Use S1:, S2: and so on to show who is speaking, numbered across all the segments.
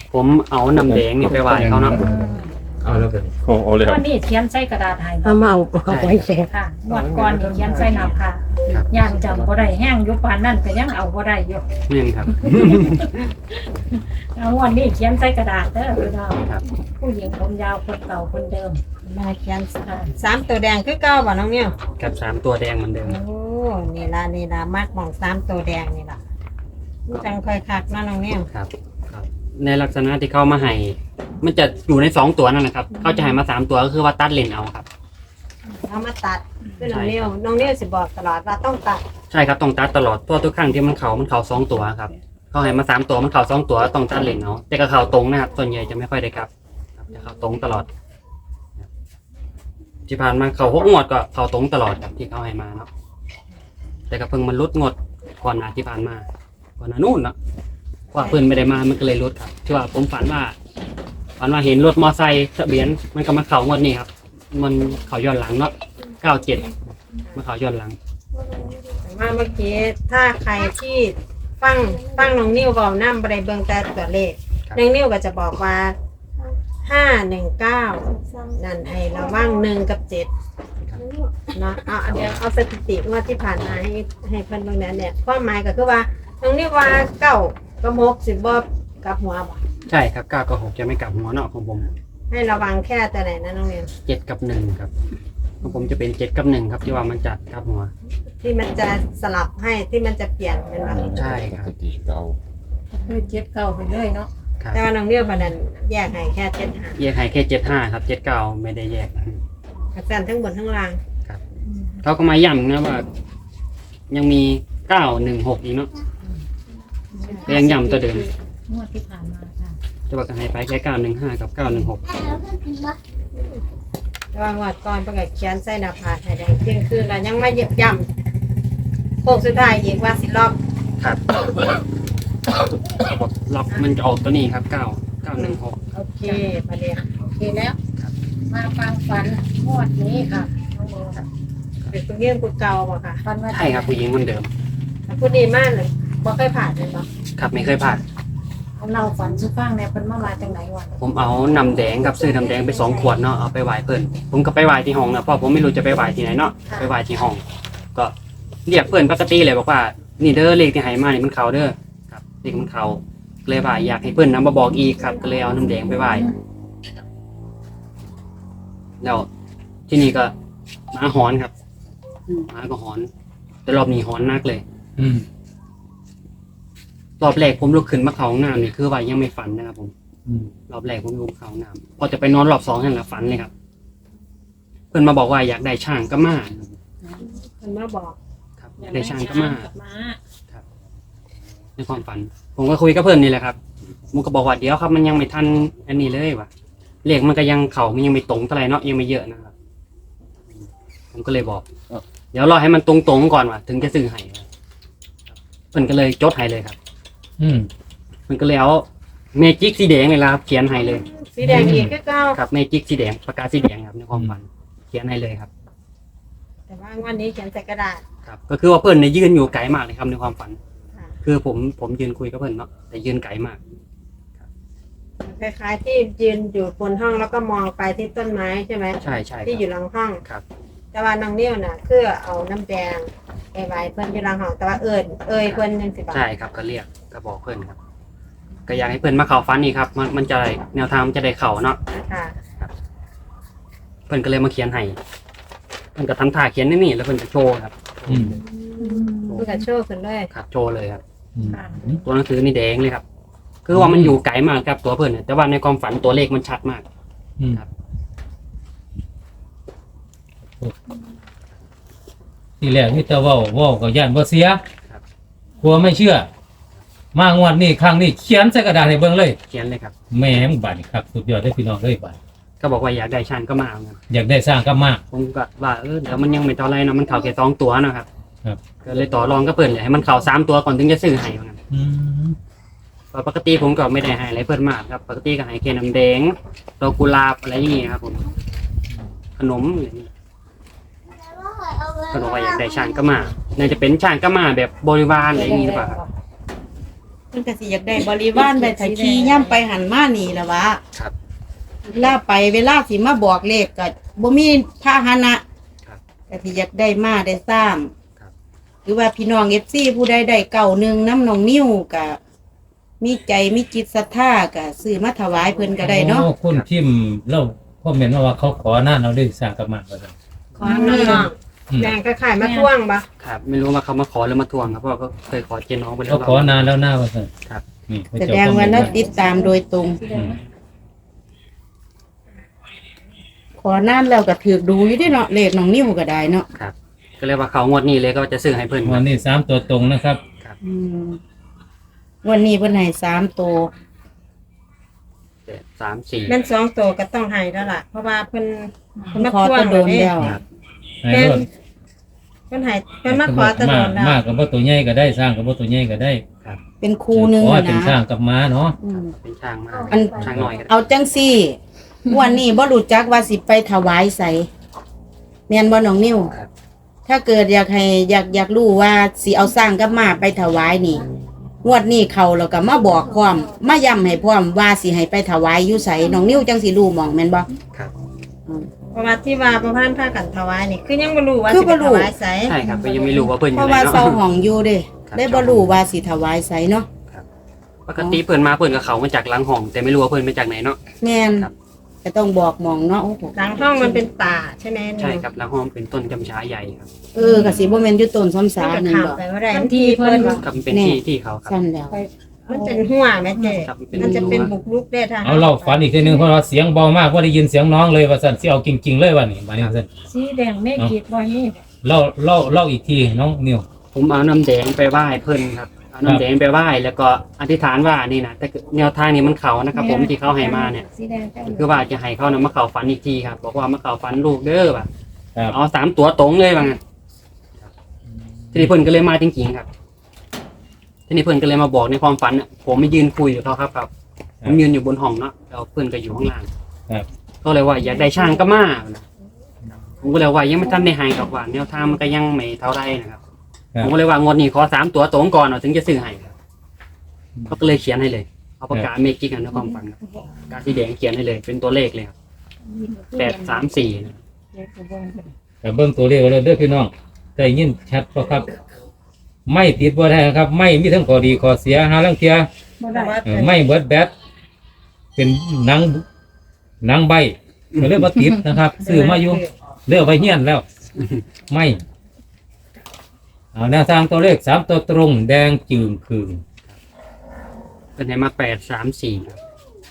S1: ผมเอาน้ำแดงนี่ไปไหว้เขาเนาะ
S2: เอาแล้วกัน
S3: เอาเลยค
S4: ต
S3: รั
S4: อบ นนี้เขียนใส่กระดาษให้
S5: เอามาเอาไว้แช่
S4: ค่ะงวดก่อนนี่เขียนใส่หน้าผากย่างจำบ่ได้แห้งอยู่ปานนั้นก็ยังเอาบ่ได้อยู่
S1: นี่ครับ
S4: เอางวดนี้เขียนใส่กระดาษเด้อพี่น้อง
S1: ครับ
S4: ผู้หญิงผมยาวคนเก่าคนเดิม
S5: มาเขียน3ตัวแดงคือเก่าบ่น้องเนี่ย
S1: กับ3ตัวแดงเหมือนเดิม
S5: โอ้นี่ล่ะมักหม่อง3ตัวแดงนี่ล่ะจังค่อยคักเนาะน้องเนี่ย
S1: ครับครับ ในลักษณะที่เขามาให้มันจะอยู่ใน2ตัวนั่นแหละครับเขาจะให้มา3ตัวก็คือว่าตัดเลนเอาครับ
S5: เอามาตัดคือน้องเนี่ยสิบอกตลอดว่าต้องตัด
S1: ใช่ครับต้องตัดตลอดเพราะทุกครั้งที่มันเขา2ตัวครับเขาให้มา3ตัวมันเขา2ตัวต้องตัดเลนเอาแต่ก็เขาตรงนะครับส่วนใหญ่จะไม่ค่อยได้กลับครับจะเขาตรงตลอดที่ผ่านมาเขา6 งวดก็เขาตรงตลอดครับที่เขาให้มาเนาะแต่ก็เพิ่งมันลดงวดก่อนหน้าที่ผ่านมาก่อนหน้านู่นเนาะว่าเพิ่นไม่ได้มามันก็เลยลดครับที่ว่าผมฝันว่าเห็นรถมอไซค์ทะเบียนมันก็มาเขางวดนี้ครับมันเขาย้อนหลังเนาะ97มาเขาย้อนหลัง
S5: แต่ว่าเมื่อกี้ถ้าใครที่ฟังน้องนิ้วเว้านำบ่ได้เบิ่งแต่ตัวเลข
S1: ครับ
S5: น้องนิ้วก็จะบอกว่า519นั่นให้ระวัง1กับ7เนาะเอาเดี๋ยวเอาสถิติงวดที่ผ่านมาให้เพิ่นเบิ่งนั้นเนี่ยความหมายก็คือว่าน้องนิ้วว่า9กับ6สิบ่กลับหัวบ่
S1: ใช่ครับ9กับ6จะไม่กลับหัวเนาะของผม
S5: ให้ระวังแค่แต่ไหนนะน้องเรียน
S1: 7กับ1ครับของผมจะเป็น7กับ1ครับที่ว่ามันจัดกลับหัว
S5: ที่มันจะสลับให้ที่มันจะเปลี่ยนเป็นแบบ
S1: ใช่ครับ
S3: สติเรา
S4: คือเจ็ดเก่าไปเลยเนาะ
S1: ครับ
S5: แต่ว่าน้องเรียนประเด็นแยกให้แค่เจ็ดหา
S1: แยกให้แค่75ครับ79ไม่ได้แยก
S5: กระสันทั้งบนทั้งล่าง
S1: ครับเขาก็มาย้ำนะว่า ยังมี916อีกเนาะก็ยังย้ำตัวเดิม
S4: งวดที่ผ่านมาค่ะ
S1: จะบอกกันให้ไปแค่915กับ916
S5: แต่ว่างวดก่อนประกาศเขียนใส่หน้าผากให้แดงเที่ยงคืนแล้วยังไม่เหยียบย่ำโค้งสุดท้ายอีกว่าสิรอบ
S1: ครับล็อกมันจะออกตัวนี้ครับ9 916
S5: โอเคประเดี๋ยว
S4: โอเคแล้ว มาฟังฝันงวดนี้ค่ะน้องโมค่ะ
S5: เป็นผู้เยี่ยมผู้เก่าบ่ค่ะ
S4: ฝันว่า
S1: ใช่ครับผู้หญิงคนเดิม
S5: ผู้ดีมากเลยบ่เคยผ่านเลยบ่
S1: ครับไม่เคยพลาด
S4: เราฝันสุฟังเนี่ยเพิ่นมาจังไหนวัน
S1: ผมเอาน้ำแดงกับซื้อน้ำแดงไป2 ขวดเนาะเอาไปไหว้เพื่อนผมก็ไปไหว้ที่ห้องนะเพราะผมไม่รู้จะไปไหว้ที่ไหนเนาะไปไหว้ที่ห้อง ก็เรียกเพื่อนปกติเลยบอกว่านี่เด้อเลขที่ให้มานี่มันเขาเด้อครับเลขมันเขาเลยว่าอยากให้เพื่อนนำมาบอกอีกครับ ก็เลยเอาน้ำแดงไปไหว้แล้วที่นี่ก็หมาหอนครับหมาก็หอน แต่รอบนี้หอนนักเลย
S2: อืม
S1: รอบแรกผมลุกขึ้นมาเข้าห้องน้ำนี่คือว่ายังไม่ฝันนะครับผม
S2: อืม
S1: รอบแรกผมลุกเข้าห้องน้ำพอจะไปนอนรอบ2นั่นแหละฝันเลยครับ เพื่อนมาบอกว่าอยากได้ช่างก็มา
S5: มันมาบอก
S1: ครับอยากได้ช่างก็มา
S4: มา
S1: ในความฝัน ผมก็คุยกับเพื่อนนี่แหละครับมันก็บอกว่าเดี๋ยวครับมันยังไม่ทันอันนี้เลยว่ะเลขมันก็ยังมันยังไม่ตรงเท่าไหร่เนาะยังไม่เยอะนะครับผมก็เลยบอกเดี๋ยวรอให้มันตรงๆก่อนว่ะถึงจะซื้อให้ครับเพื่อนก็เลยจดให้เลยครับ
S2: อืม
S1: มันก็เลยเอาเมจิกสีแดงเลยละครับเขียนให้เลย
S5: สีแดงอีกก็เก่า
S1: ครับเมจิกสีแดงปากกาสีแดงครับในความฝันเขียนให้เลยครับ
S5: แต่ว่าวันนี้เขียนใส่กระดาษ
S1: ครับก็คือว่าเพื่อนเนี่ยยืนอยู่ไกลมากเลยครับในความฝัน
S5: ค่ะ
S1: คือผมยืนคุยกับเพื่อนเนาะแต่ยืนไกลมาก
S5: คล้ายๆที่ยืนอยู่บนห้องแล้วก็มองไปที่ต้นไม้ใช่ไหม
S1: ใช่ใช่ค
S5: ที่อ
S1: รับ
S5: ยู่หลังห้อง
S1: ครับ
S5: แต่ว่าน้องนิ้วน่ะคือเอาน้ำแดงไปไว้เพื่อนอยู่หลังห้องแต่ว่าเอ่ยเพื่อนยังสิบา
S1: ใช่ครับก็เรียกก็บอกเพื่อนครับ ก็อยากให้เพื่อนมาเข่าฟันนี่ครับมันจะได้แนวทางมันจะได้เข่าเนาะ
S5: ค่ะ
S1: เพื่อนก็เลยมาเขียนให้เพื่อนก็ทำท่าเขียนนี่แล้วเพื่อนก็โชว์ครับ
S2: อืม
S5: เพื่อนก็โชว์ขึ้นเลย
S1: ครับโชว์เลยครับ
S2: อืม
S1: ตัวหนังสือนี่แดงเลยครับ คือว่ามันอยู่ไกลมากครับตัวเพื่อนเนี่ยแต่ว่าในความฝันตัวเลขมันชัดมาก
S2: อืม
S1: ครับ
S2: ทีแรกนี่แต่เว่าก็ย่านบ่เสีย
S1: ครับ
S2: กลัวไม่เชื่อ มางวดนี้ครั้งนี้เขียนใส่กระดาษให้เบิ่งเลย
S1: เขียนเลยครับ
S2: แหม่มบัดนี่ครับสุดยอดได้อพี่น้องเลยบัด
S1: ก็บอกว่าอยากได้ช่างก็มาเอาเงิน
S2: อยากได้สร้างก็มาก
S1: ผมก็ว่าเดี๋ยวมันยังไม่เท่าไรนะมันเข่าแค่2 ตัวนะครับ
S2: ครับ
S1: ก็เลยต่อรองก็เพื่อนเลยให้มันเข่า3 ตัวก่อนถึงจะซื้อให้ว่างั้น
S2: อืม
S1: เพราะปกติผมก็ไม่ได้ให้อะไรเพื่อนมากครับ ปกติก็ให้แค่น้ำแดงดอกกุหลาบอะไรอย่างเงี้ยครับผมขนมอะไรอย่างเงี้ยก็บอกว่าอยากได้ช่างก็มาน่าจะเป็นช่างก็มาแบบบริวารอะไรอย่างงี้หรือเปล่าครับ
S3: พิ่นก็สิอยากได้บริวารไว้ถ้าขี่ย่ำไปหันมานี่ล่ะวะ
S1: ครับ
S3: เวลาไปเวลาสิมาบอกเลขก็บ่มีพาหนะครับ ก็สิอยากได้มาได้สร้าง
S1: ครับ
S3: หรือว่าพี่น้อง FC ผู้ใดได้เก่าหนึงน้ำน้องนิ้วก็มีใจมีจิตศรัทธาก็ซื้อมาถวายเพิ่นก็ได้เนาะ
S2: โอ้คุณพิมพ์เราคอมเมนต์มาว่าเขาขอหน้าเราได้สร้างกับมันว่าซั่น
S5: ขอน้องๆแดงก็ขายมาท่วงบ่
S1: ครับไม่รู้ว่าเขามาขอหรือมาทวงครับเพราะว่าก็เคยขอเจน้องไปแล้ว
S2: เขาขอนานแล้วหน้าว่าซั่น
S1: ครับ
S2: นี่เขา
S3: แส
S2: เจ้
S3: ดง
S2: คอมเม
S3: ว่าน
S2: ต์
S3: เรา
S2: มา
S3: ติดตามโดยตรง
S2: อืม
S3: ขอนานแล้วก็ถือดูอยู่เด้เนาะเลขน้องนิ้วก็ได้เนาะ
S1: ครับ ก็เลยว่าเขางวดนี้เลยก็จะซื้อให้เพื่อนค
S2: วั
S1: รั
S2: น
S1: บ
S2: นี้3ตัวตรงนะครับ
S1: ครับ
S3: อืมวันนี้เพิ่นให้3ตัว
S1: 3-4
S5: แม่น2ตัวก็ต้องให้แล้วล่ะ เพราะว่าเพิ่น
S3: เพิ่นขอตะโดนแล้ว
S1: ครับ
S2: ให้รถ
S5: เพิ่นให้เพิ่นมาขอตะโดนแล้ว
S2: มากกับบ่ตัวใหญ่ก็ได้สร้างกับบ่ตัวใหญ่ก็ได้
S3: เป็นครูหนึง
S2: ขอให้
S3: นะ
S2: เป็นสร้างกับม้าเนาะ
S3: อืม
S1: เป็นช่างมาก
S3: อัน
S1: ช่างหน่อยก็ได้
S3: เอาจังซี่วันนี้บ่รู้จักว่าสิไปถวายไสแม่นบ่น้องนิ้ว
S1: ครับ
S3: ถ้าเกิดอยากรู้ว่าสิเอาสร้างกับมาไปถวายนี่งวดนี้เขาแล้วก็มาบอกพร้อมมาย้ำให้พร้อมว่าสิให้ไปถวายอยู่ไสน้องนิ้วจังสิรู้หม่องแม่นบ่
S1: ครับ
S5: เพราะว่าที่ว่าประพันธ์พากันถวายนี่คือยังบ่รู้ว่า
S3: คือ
S5: สิ
S3: บ่
S5: ไป
S3: รู้
S5: ถวายไส
S1: ใช่ครับก็ยังไม่รู้ว่าเพื่อนอ
S3: เพ
S1: ยู่
S3: ราะ
S1: ไหน
S3: ว่า
S1: เนาะ
S3: เซาห้องอยู่เด้
S1: ครับ
S3: ได้บ่รู้ว่าสิถวายไสเนาะ
S1: ปกติเพื่อนมาเพื่อนกับเขามาจากหลังห้อง แต่ไม่รู้ว่าเพื่อนมาจากไหนเนาะ
S3: แม่น
S1: ครับ
S3: ก็ต้องบอกหมองเนาะโอ้โห
S5: หลังห้องมันเป็นป่าใช่ไหม
S1: ใช่ครับหลังห้องเป็นต้นกำชาใหญ่ครับ
S3: ก็สิบ่แม่นอยู่ต้นซ้ำ
S5: มัน
S3: สา
S5: ก็
S3: นั่น
S5: ข้าม
S3: บ่
S5: ไปบ่ได้
S4: ทันทีเพิ่น
S1: ครับมันเป็นที่เขาครับ
S3: ซั่นแล้ว
S5: มันเป็นหัวแม่เจ้
S1: ครับเป็น
S5: มันจะเป็นบุกรุกได้ถ้า
S2: เอาเราฝันอีกทีนึงเพราะว่าเสียงเบามากว่าได้ยินเสียงน้องเลยว่าซั่นสิเอาจริงๆเลยว่านี่มานี่ซั่น
S4: สีแดงเมฆขีดบ่มี
S2: เล่าอีกทีน้องนิว
S1: ผมเอาน้ำแดงไปไหว้เพื่อนครับเอาน้ำแดงไปไหว้แล้วก็อธิษฐานว่านี่นะแต่แนวทางนี้มันเขานะครับ ผมที่เขาให้มาเนี่ย
S4: สีแดงเจ้า
S1: คือว่าจะให้เขานะมาเข่าฝันอีกทีครับบอกว่ามาเข่าฝันลูกเด้อแบบ
S2: ครับ
S1: เอา3 ตัวตรงเลยว่างั้นทีนี้เพิ่นก็เลยมาจริงๆครับทีนี้เพิ่นก็เลยมาบอกในความฝันน่ะผมไม่ยืนคุยกับเขาครับผมยืนอยู่บนห้องเนาะแล้วเพิ่นก็อยู่ข้างล่าง
S2: ครับ
S1: ก็เลยว่าอยากได้ช่างก็มานะผมก็เลยว่ายังไม่ทันได้ให้กับว่าแนวทางมันก็ยังไม่เท่าไรนะครับ ผมก็เลยว่างวดนี้ขอ3 ตัวตรงก่อนถึงจะซื้อให้ครับเขาก็เลยเขียนให้เลยเอาปากกาเมจิกกันในความฝันครับปากกาสีแดงเขียนให้เลย เป็นตัวเลขเลยครับ834นะ
S2: แต่เบิ่งตัวเลขเลยเด้อพี่น้องได้ยินชัดบ่ครับ ไม่ติดบ่ได้ครับ ไม่มีทั้งข้อดีข้อเสียหาลังเทีย
S4: บ่ได้
S2: ไม่เบิดแบตเป็นหนังใบก็เลยบ่ติดนะครับซื้อมาอยู่เลือกไว้เฮียนแล้ว ไม่เอาแนวทางตัวเลข3ตัวตรงแดงจึงคืง
S1: เป็นไหนมา834ครับ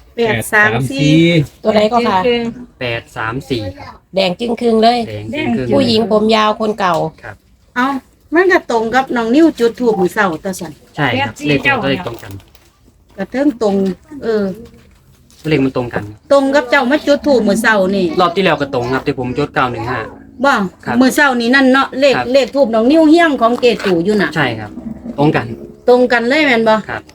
S3: 834
S6: ตัวไหนก็ค่ะ
S5: คือ
S1: 834ครับ
S6: แดงจึงครึ่งเลย
S1: แดงจริงคือ
S6: ผู้หญิงผมยาวคนเก่า
S1: ครับ
S3: เอ้ามันก็ตรงกับน้องนิ้วจุดธูปมื้อเช้าตะสั่น
S1: ใช่ครับเลขตัวเลขตรงกัน
S3: ก็เทิงตรง
S1: เลขมันตรงกัน
S3: ตรงกับเจ้ามาจุดธูปมื้อเช้านี่
S1: รอบที่แล้วก็ตรงครับที่ผมจด915
S3: บ่
S1: ครับ
S3: มื้อเช้านี่นั่นเนาะเลข
S1: ครับ
S3: เลขธูปน้องนิ้วเฮี้ยงของเกตู่อยู่น่ะ
S1: ใช่ครับ ตรงกัน
S3: ตรงกันเลยแม่นบ่
S1: ครับ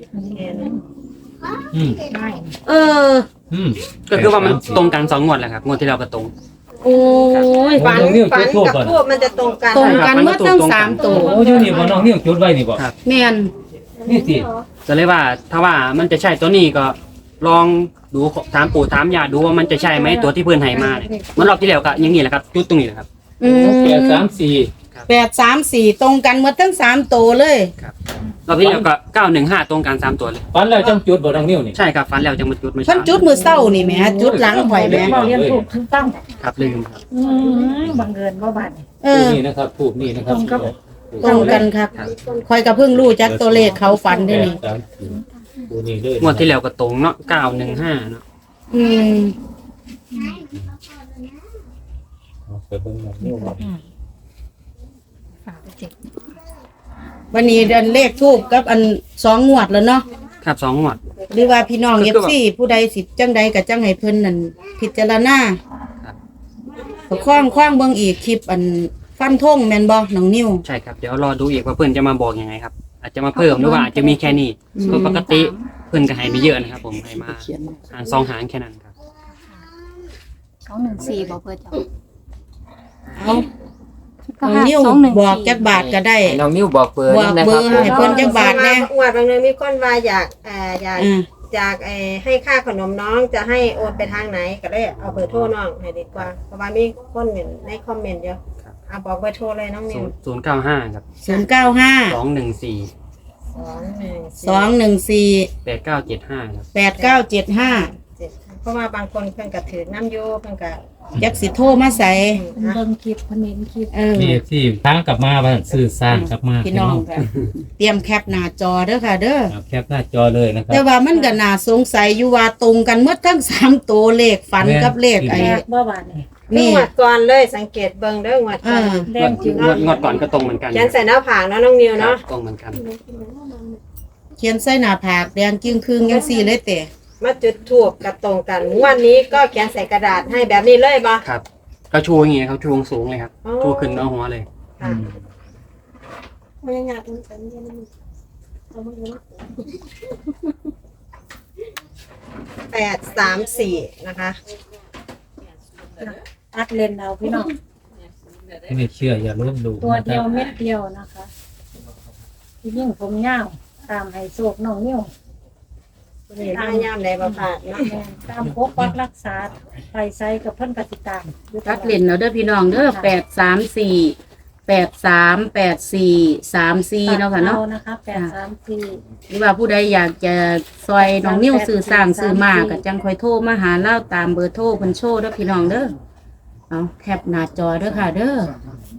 S2: อืม
S3: เออ
S2: อืม
S1: ก็คือว่ามันตรงกัน2 งวดแหละครับงวดที่แล้วก็ตรง
S3: โอ้ย
S5: ฝัน
S2: น้องนิ้ว
S5: ฝัน
S2: จุดธูป
S5: กับ
S2: ก่อน
S5: ทูบมันจะตรงกัน
S3: ตรงกันเมื่อตั้ง3ตัว
S2: โอ้อยู่นี่บ่น้องนิ้วจุดไว้นี่บ่
S1: ครับ
S3: แม่น
S2: นี่สิ
S1: ก็เลยว่าถ้าว่ามันจะใช่ตัวนี้ก็ลองดูถามปู่ถามย่าดูว่ามันจะใช่ไหมตัวที่เพื่อนให้มาเนี่ยเหมันรอบที่แล้วก็อย่างนี้แหละครับจุดตรงนี้แหละครับ
S3: อืม
S2: 834
S3: 834ตรงกันเมื่อตั้ง3ตัวเลย
S1: รอบที่แล้วก็915ตรงกัน3 ตัวเลย
S2: ฝันแล้วจังจุดบ่น้องนิ้วนี่
S1: ใช่ครับฟันแล้วจะมาจุดมา
S3: เพิ่นจุดมื้อเช้านี่แหมจุดหลังข่อยแหม
S4: บ่เรียนถูกถูกต้อง
S1: ครับลืมครับ
S4: บังเอิญบ่บาดนี่
S3: เอ
S2: ทู
S3: อ
S2: บนี่นะครับทูบนี่นะครับ
S4: ตรงกับ
S3: ตรงกันครับข่อยก็เพิ่งรู้จักตัวเลขเขาฝันได้นี่
S2: ทูบนี่เลย
S1: งวดที่แล้วก็ตรงเนาะ915เนาะ
S3: อืม
S2: เอาไปเบิ่งน้องนิ้วบ่
S4: ฝากไปเจ็บ
S3: วันนี้เดือนเลขทูบกับอัน2งวดแล้วเนาะ
S1: ครับ2 งวด
S3: หรือว่าพี่น้อง
S1: ก็คือว่า
S3: FC ผู้ใดสิจังใดก็จังให้เพิ่นนั่นพิจารณา
S1: ครับ
S3: ก็คว้างเบิ่งอีกคลิปอันฟันธงแม่นบ่น้องนิ้ว
S1: ใช่ครับเดี๋ยวรอดูอีกว่าเพื่อนจะมาบอกยังไงครับ อาจจะมาเพิ่มหรือว่าอาจจะมีแค่นี้เพราะปกติเพื่อนก็ให้ไม่เยอะนะครับ ผมให้มาหาง2 หางแค่นั้นครับ
S7: 214บ่เพิ่นจ้ะ
S3: เอาน้องนิ้วบอกจักบาทก็ได้
S7: ให้น้องนิ้วบอกเบอร์
S3: บอก
S7: นะ
S3: เบ
S7: ค
S3: อ
S7: รับ
S3: ร์ให้เพิ่นจักบาทแน่
S5: อวดบางเนึงมีคนว่าอยากอยาก
S3: อืม
S5: ให้ค่าขนมน้องจะให้โอนไปทางไหนก็เลยเอาเบอร์โทรน้องให้ดีกว่าเพราะว่ามีคนเห็นในคอมเมนต์เยอะเอาบอกเบอร์โทรเลยน้องนิว
S1: 095ครับ
S3: 095
S1: 214
S3: 214
S1: 8975ครับ
S3: 8975
S5: เพราะว่าบางคนเพิ่นก็ถือน้ำโยเพิ่นก็
S3: จักสิโทรมาใส่
S4: เพิ่นเบิ่งคลิปเพิ่นเห็นคลิป
S2: นี่ที่ทางกลับมาว่าซื้อสร้างกลับมา
S3: พี่น้องค่ะเตรียมแคปหน้าจอเด้อค่ะเด้อ
S2: ครับแคปหน้าจอเลยนะครั
S3: แต่
S2: บ
S3: ว่ามันก็น่าสงสัยอยู่ว่าตรงกันหมดทั้ง3ตัวเลขฝันกับเลขไอ้
S4: แรกบ่บาดนี่
S5: นี่
S3: นี่
S5: งวดก่อนเลยสังเกตเบิ่งเด้องวดก่อน
S4: แดงจึง
S1: งวดก่อนก็ตรงเหมือนกัน
S5: เขียนใส่หน้าผากเนาะน้องนิว
S1: ครั
S5: เนาะ
S1: บตรงเหมือนกัน
S3: เขียนใส่หน้าผากแดงจึงครึ่งจังซี่เลยแต่
S5: มาจุดทูบกับตรงกันงวันนี้ก็เขียนใส่กระดาษให้แบบนี้เลยบ่
S1: ครับ ก็ชูอย่างเงี้ยครับชูสูงเลยครับ
S5: อ๋อ
S1: ชูขึ้นเอาหัวเลย
S5: ค่ะ 834นะคะ
S4: ตัดเลนเอาพี่น้อง
S2: ไม่เชื่ออย่าลบหลู่
S4: ตัว
S2: นะค
S4: เดี
S2: รั
S4: ยว
S2: บ
S4: เม็ดเดียวนะคะที่ยิ่งผมยาวตามให้โศกน้องนิ้ว
S5: นี่พยายามได้บ่พลาดเนาะ
S4: แม่นตามปกปักรักษาไปไซกับเพิ่นกติตามอยู่ตล
S3: ตั
S4: อ
S3: ดเล่นเอาเด้อพี่น้องเด้อ834 838434เนาะค่ะเนาะ
S4: นะคะ834
S3: หรือว่าผู้ใดอยากจะซอยน้องนิ้วสื่อสร้างสื่อมาก็จังค่อยโทรมาหาเล่าตามเบอร์โทรเพิ่นโชว์เด้อพี่น้องเด้อเอาแคปหน้าจอเด้อค่ะเด้อ